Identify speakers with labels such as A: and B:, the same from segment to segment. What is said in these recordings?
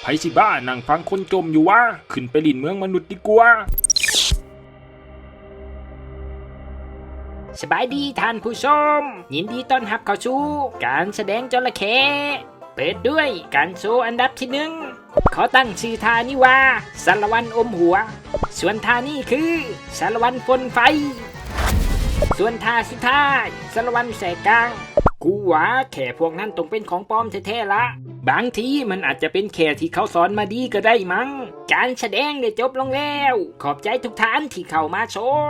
A: สิบ้านั่งฟังคนจมอยู่วะขึ้นไปลินเมืองมนุษย์ดีกว่า
B: สบายดีท่านผู้ชมยินดีต้อนรับเข้าสู่การแสดงจระเข้เปิดด้วยการโชว์อันดับที่ 1เขาตั้งชื่อท่านี้ว่าสารวัตรอมหัวส่วนท่านี้คือสารวัตรฝนไฟส่วนท่าสุดท้ายสารวัตรแสกกลางกูว่าแค่พวกนั้นต้องเป็นของปลอมแท้ๆละบางทีมันอาจจะเป็นแค่ที่เขาสอนมาดีก็ได้มั้งการแสดงได้จบลงแล้วขอบใจทุกท่านที่เข้ามาชม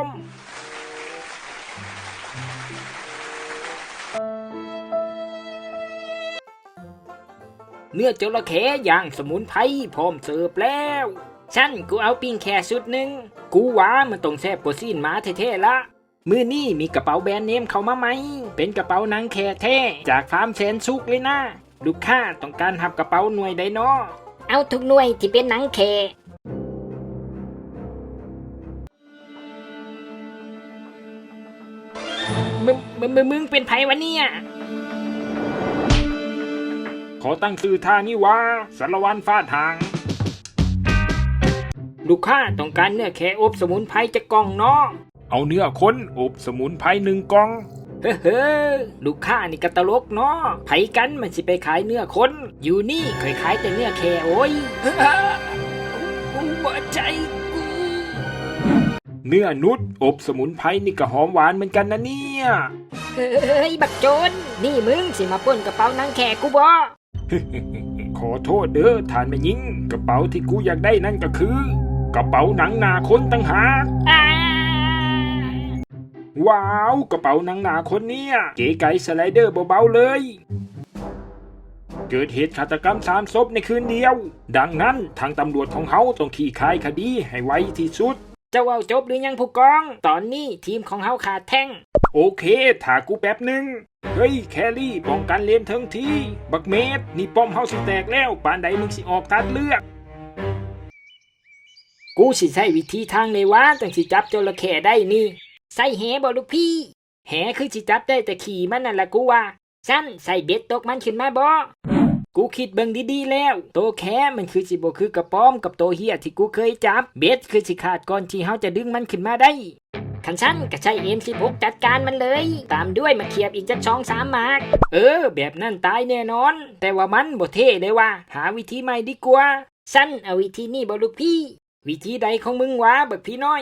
B: เนื้อจระเข้ย่างสมุนไพรพร้อมเสิร์ฟแล้วฉันกูเอาปิ้งแค่ชุดหนึ่งกูว่ามันต้องแซ่บกว่าซีนหมาแท้ๆละมื้อนี้มีกระเป๋าแบรนด์เนมเข้ามาไหมเป็นกระเป๋าหนังแค่แท้จากฟาร์มแสนสุขเลยนะลูกค้าต้องการหับกระเป๋าหน่วยใดน้อเอาทุกหน่วยที่เป็นหนังแค่มึงเป็นไผวะเนี่ย
A: ขอตั้งชื่อท่านี้ว่าสารวัตรฟาดหาง
B: ลูกค้าต้องการเนื้อแค่อบสมุนไพรจะกล่องเนาะ
A: เอาเนื้อคนอบสมุนไพร1 กล่อง
B: เฮ้อลูกค้านี่กะตลกเนาะไผกันมันสิไปขายเนื้อคนอยู่นี่เคยขายแต่เนื้อแค่โอ้ยกูบ่ใจกู
A: เนื้อนุชอบสมุนไพรนี่ก็หอมหวานเหมือนกันนะเนี่ย
B: เฮ้ยบักโจรนี่มึงสิมาปล้นกระเป๋าหนังแค่กูบ่
A: ขอโทษเด้อท่านแม่หญิงกระเป๋าที่กูอยากได้นั่นก็คือกระเป๋าหนังหนาคนตั้งหากว้าวกระเป๋าหนังหนาคนเนี่ยเก๋ไก๋สไลเดอร์เบาๆเลยเกิดเหตุฆาตกรรม3 ศพในคืนเดียวดังนั้นทางตำรวจของเขาต้องขี้คายคดีให้ไวที่สุด
B: เจ้าเอาจบหรือยังผู้กองตอนนี้ทีมของเฮาขาดแท่ง
A: โอเคถ้ากูแป๊บนึงเฮ้ยแครี่ป้องกันเลนทั้งทีบักเมดนี่ป้อมเฮาสิแตกแล้วปานใดมึงสิออกตัดเลือก
B: กูสิใช้วิธีทางเลยว่าจังสิจับจระเข้ได้นี่ใส่แหบ่ลูกพี่แหคือสิจับได้แต่ขี่มันนั่นแหละกูว่าฉันใส่เบ็ดตกมันขึ้นมาบ่กูคิดเบิ่งดีๆแล้วโตแค่มันคือสิบ่คือกระป้อมกับโตเฮียที่กูเคยจับเบ็ดคือสิขาดก่อนที่เฮาจะดึงมันขึ้นมาได้ขันฉันก็ใช้ M16 จัดการมันเลยตามด้วยมาเขียบอีกจัก2-3 หมากแบบนั้นตายแน่นอนแต่ว่ามันบ่เท่เลยว่ะหาวิธีใหม่ดีกว่าฉันเอาวิธีนี้บ่ลูกพี่วิธีใดของมึงวะบักพี่น้อย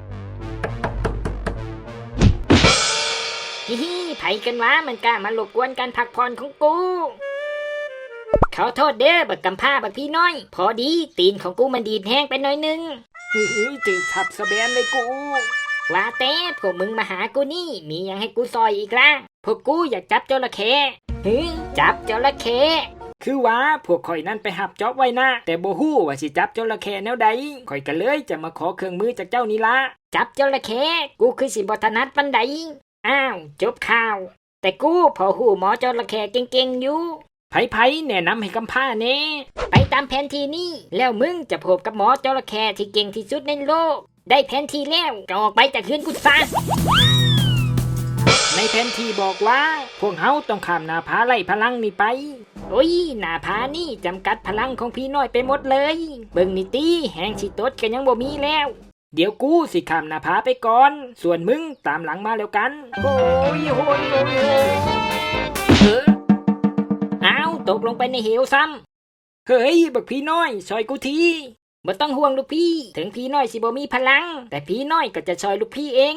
B: ฮิไผกันวะมันกล้ามารบกวนการพักผ่อนของกูขอโทษเด้อบักกำพร้าบักพี่น้อยพอดีตีนของกูมันดีดแห้งไปหน่อยนึงจืดทับสะแบนเลยกูว่าแต่พวกมึงมาหากูนี่มียังให้กูซอยอีกล่ะพวกกูอยากจับจระเข้จับจระเข้คือว่าพวกข่อยนั่นไปหับจ็อบไว้นะแต่บ่ฮู้ว่าสิจับจระเข้แนวใดข่อยก็เลยจะมาขอเครื่องมือจากเจ้านี่ละจับจระเข้กูคือสิบ่ถนัดปานใดอ้าวจบข่าวแต่กูพอฮู้หมอจระเข้เก่งๆอยู่ไผแนะนำให้กำพร้าเน่ไปตามแผนที่นี่แล้วมึงจะพบกับหมอจระเข้ที่เก่งที่สุดในโลกได้แผนที่แล้วก็ออกไปจากคืนกูซะในแผนที่บอกว่าพวกเฮาต้องข้ามหน้าผาไล่พลังนี่ไปโอ้ยหน้าผานี่จำกัดพลังของพี่น้อยไปหมดเลยเบิ่งนี่ตีแหงสิตดก็ยังบ่มีแล้วเดี๋ยวกูสิข้ามหน้าผาไปก่อนส่วนมึงตามหลังมาแล้วกันโอ้ยโหยอ้าวตกลงไปในเหวซ้ำเฮ้ยบักพี่น้อยช่วยกูทีบ่ต้องห่วงลูกพี่ถึงพี่น้อยสิบ่มีพลังแต่พี่น้อยก็จะช่วยลูกพี่เอง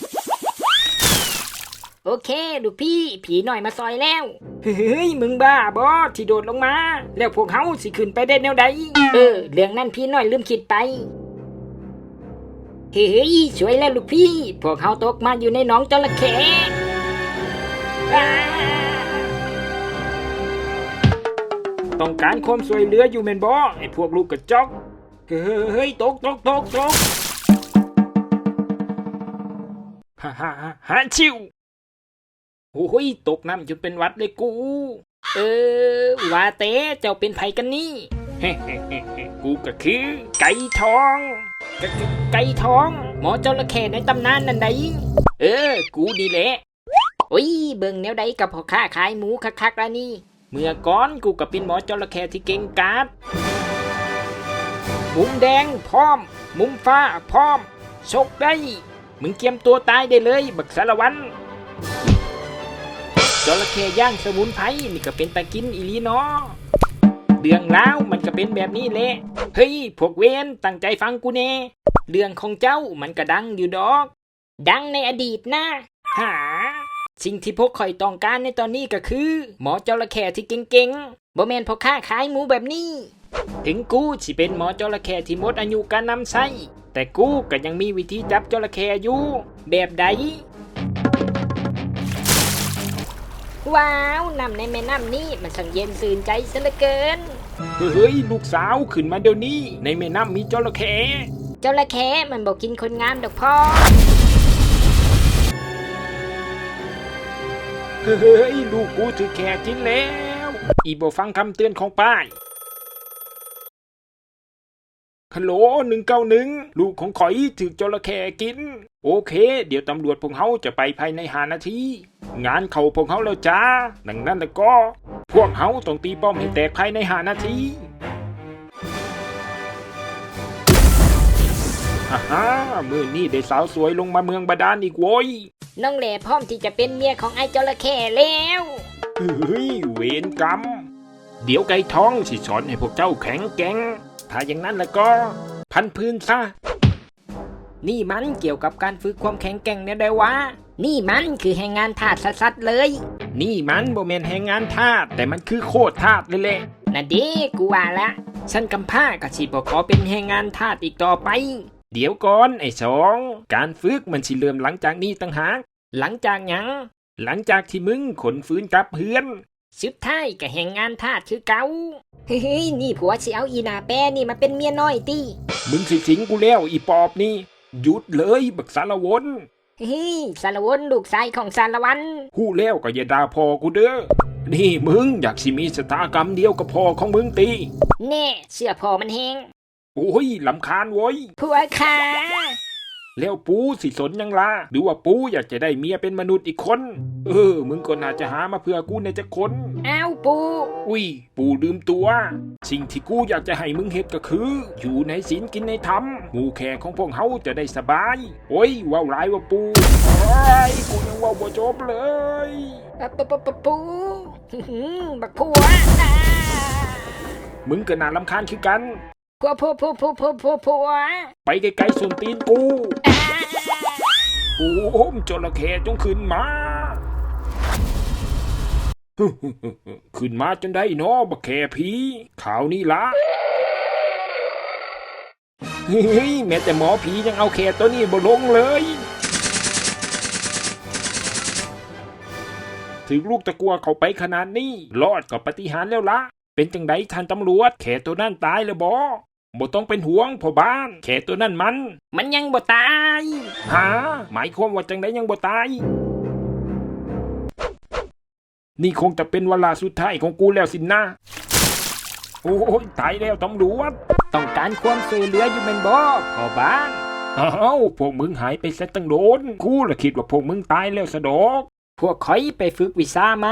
B: โอเคลูกพี่น้อยมาซอยแล้วเฮ้ยมึงบ้าบ่ที่โดดลงมาแล้วพวกเฮาสิขึ้นไปได้แนวใดเรื่องนั้นพี่น้อยลืมคิดไปเฮ้ยช่วยแล้วลูกพี่พวกเฮาตกมาอยู่ในหนองจระเข้
A: ต้องการความช่วยเหลืออยู่แม่นบ่ไอ้พวกลูกกระจอกเฮ้ยตกฮ่าชิวโอ้ยตกน้ำจนเป็นวัดเลยกู
B: ว่าแต่เจ้าเป็นไผกันนี่
A: กูก็คือไก่ทอง
B: ไก่ทองหมอจระเข้ในตำนานนั่นใดกูนี่แหละโอ้ยเบิ่งแนวใดกับพ่อค้าขายหมูคักๆแล้วนี่เมื่อก่อนกูก็เป็นหมอจระเข้ที่เก่งกาจมุมแดงพร้อม มุมฟ้าพร้อมชกได้ มึงเตรียมตัวตายได้เลยบักสารวันจระเข้ย่างสมุนไพรนี่ก็เป็นตะกินอีหลีเนาะเรื่องราวมันก็เป็นแบบนี้แหละเฮ้ยพวกเวนตั้งใจฟังกูแน่เรื่องของเจ้ามันก็ดังอยู่ดอก ดังในอดีตนะหาสิ่งที่พวกข่อยต้องการในตอนนี้ก็คือ หมอจระเข้ที่เก่งๆบ่แม่นพ่อค้าขายหมูแบบนี้ ถึงกูสิเป็นหมอจระเข้ที่หมดอายุการนำใช้แต่กูก็ยังมีวิธีจับจระเข้อยู่แบบใดว้าวน้ำในแม่น้ำนี่มันสังเย็นสื่นใจซะเหลือเกิน
A: เฮ้ยลูกสาวขึ้นมาเดี๋ยวนี้ในแม่น้ำมีจระเข้
B: จระเข้มันบอกกินคนงามดอกพ่อ
A: เฮ้ยลูกกูถือแค่กินแล้วอีบ่ฟังคำเตือนของป้ายฮัลโหล191ลูกของข่อยถือจระเข้กินโอเคเดี๋ยวตำรวจพวกเขาจะไปภายใน5 นาทีงานเขาพวกเขาแล้วจ้าดังนั้นแล้วก็พวกเขาต้องตีป้อมให้แตกภายใน5 นาทีฮ่ามื้อนี้ได้สาวสวยลงมาเมืองบาดาลอีกโว้ย
B: น้องแหล่พร้อมที่จะเป็นเมียของไอ้จระเข้แล้ว
A: เฮ้ยเวรกรรมเดี๋ยวไก่ท้องสิสอนให้พวกเจ้าแข็งแกร่งถ้าอย่างนั้นแล้วก็พันพื้นซะ
B: นี่มันเกี่ยวกับการฝึกความแข็งแกร่งเนี่ยได้วะนี่มันคือแรงงานทาสสัสๆเลย
A: นี่มันบ่แม่นแรงงานทาสแต่มันคือโคตรทาสเลยแหละ
B: น่ะเด้กูว่าละฉันกำพร้ากับสิบ่ขอเป็นแรงงานทาสอีกต่อไป
A: เดี๋ยวก่อนไอ้สองการฝึกมันสิเริ่มหลังจากนี้ต่างหาก
B: หลังจากหยัง
A: หลังจากที่มึงขนฟื้นกลับเฮือน
B: สุดท้ายก็แรงงานทาสคือเก่าเฮ้ยนี่ผัวสิเอาอีหนาแปรนี่มาเป็นเมียน้อยติ
A: มึงสิสิงกูแล้วอีปอบนี่หยุดเลยบักสารวน
B: เฮ้ยสารวนลูกชายของสารวัน
A: ฮู้แล้วก็อย่าด่าพ่อกูเด้อนี่มึงอยากสิมีชะตากรรมเดียวกับพ่อของมึงตี
B: แน่เสื้อพอมันแหง
A: โอ้ยลำคาญโว้ย
B: ผัวขา
A: แล้วปูสิสนยังล่ะหรือว่าปูอยากจะได้เมียเป็นมนุษย์อีกคนมึงก็น่าจะหามาเพื่อกูในจักคน
B: อ้าวปู
A: อุ้ยปูลืมตัว สิ่งที่กูอยากจะให้มึงเฮ็ดก็คือ อยู่ในศีลกินในธรรมหมู่แขกของพวกเฮาจะได้สบายโอ้ยว้าวหลายว่าปูโอ้ยกูยังว้าวบ่จบเลย
B: ปูบักผัว
A: มึงก็น่ารำคาญคือกัน
B: ผัว
A: ไปไกลๆส่วนตีนกูโอ้โหจระเข้จงขึ้นมา ขึ้นมาจนได้เนาะบักแค่ผีข่าวนี้ละเฮ้ยแม้แต่หมอผียังเอาแค่ตัวนี้บ่ลงเลยถึงลูกตะกัวเขาไปขนาดนี้รอดกับปาฏิหาริย์แล้วละเป็นจังไดท่านตำรวจแค่ตัวนั่นตายแล้วบ่ต้องเป็นห่วงพ่อบ้านแค่ตัวนั่นมัน
B: ยังบ่ตาย
A: หาหมายความว่าจังไดยังบ่ตายนี่คงจะเป็นเวลาสุดท้ายของกูแล้วสินนะโอ้ยตายแล้วตำรวจ
B: ต้องการความช่วยเหลืออยู่แม่นบ่พ่อบ้าน
A: อ้าวพวกมึงหายไปซะตั้งโดนกูละคิดว่าพวกมึงตายแล้วซะดอก
B: พวกข่อยไปฝึกวิชามา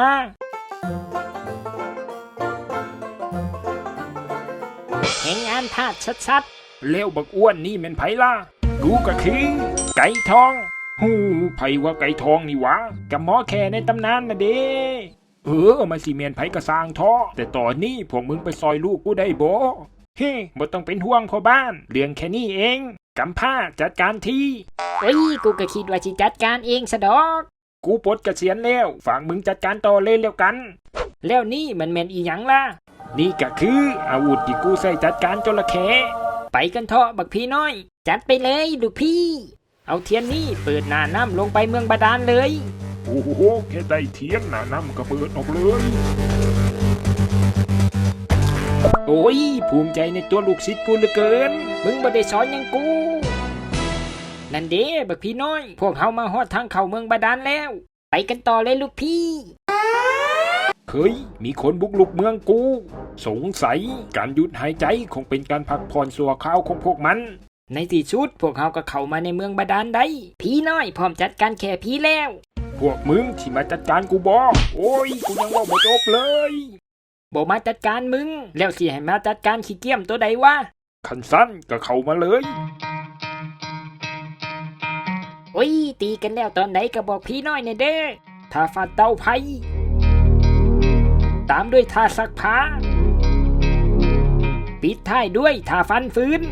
B: แห่งงานทาสชัด
A: ๆแล้วบักอ้วนนี่แม่นไผล่ะกูก็คือไก่ทองฮู้ไผว่าไก่ทองนี่วะกับหมอแค่ในตำนานน่ะเด้มาสิแม่นไผก็สร้างท้อแต่ตอนนี้พวกมึงไปซอยลูกกูได้บ่บ่ต้องเป็นห่วงพ่อบ้านเรื่องแค่นี้เองกำผ้าจัดการที
B: กูก็คิดว่าสิจัดการเองซะดอก
A: กูปลดเกษียณแล้วฝากมึงจัดการต่อเลยแล้วกัน
B: แล้วนี่มันแม่นอีหยังล่ะ
A: นี่ก็คืออาวุธที่กูใช้จัดการจระเข้
B: ไปกันเถอะบักพี่น้อยจัดไปเลยลูกพี่เอาเทียนนี่เปิดหน้าน้ำลงไปเมืองบาดาลเลย
A: โอ้โหแค่ได้เทียนหน้าน้ำก็เปิดออกเลย โอ้ยภูมิใจในตัวลูกศิษย์กูเหลือเกิน
B: มึงบ่ได้สอนยังกูนั่นเด้บักพี่น้อยพวกเฮามาฮอดทางเข้าเมืองบาดาลแล้วไปกันต่อเลยลูกพี่
A: เฮ้ยมีคนบุกรุกเมืองกูสงสัยการหยุดหายใจคงเป็นการพักผ่อนชั่วคราวของพวกมัน
B: ในที่สุดพวกเฮาก็เข้ามาในเมืองบาดาลได้พี่น้อยพร้อมจัดการแค่พี่แล้ว
A: พวกมึงที่มาจัดการกูบ่โอ้ยกูยังว่าบ่จบเลย
B: บ่มาจัดการมึงแล้วสิให้มาจัดการขี้เกียจตัวใดวะ
A: ขันสั้นก็เข้ามาเลย
B: โอ้ยตีกันแล้วตอนไหนก็บอกพี่น้อยเนี่ยเด้อท่าฟาดเตาไผ่ตามด้วยท่าซักผ้าปิดท้ายด้วยท่าฟันฟืน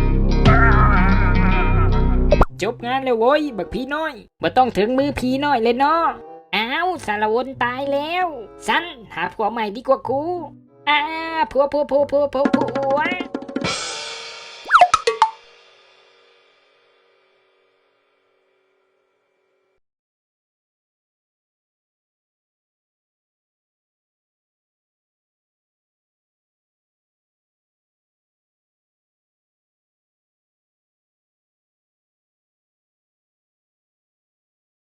B: จบงานแล้วโว้ยบักพี่น้อยบ่ต้องถึงมือพี่น้อยเลยเนาะอ้าวสารวนตายแล้วสันหาผัวใหม่ดีกว่ากูผัวว้า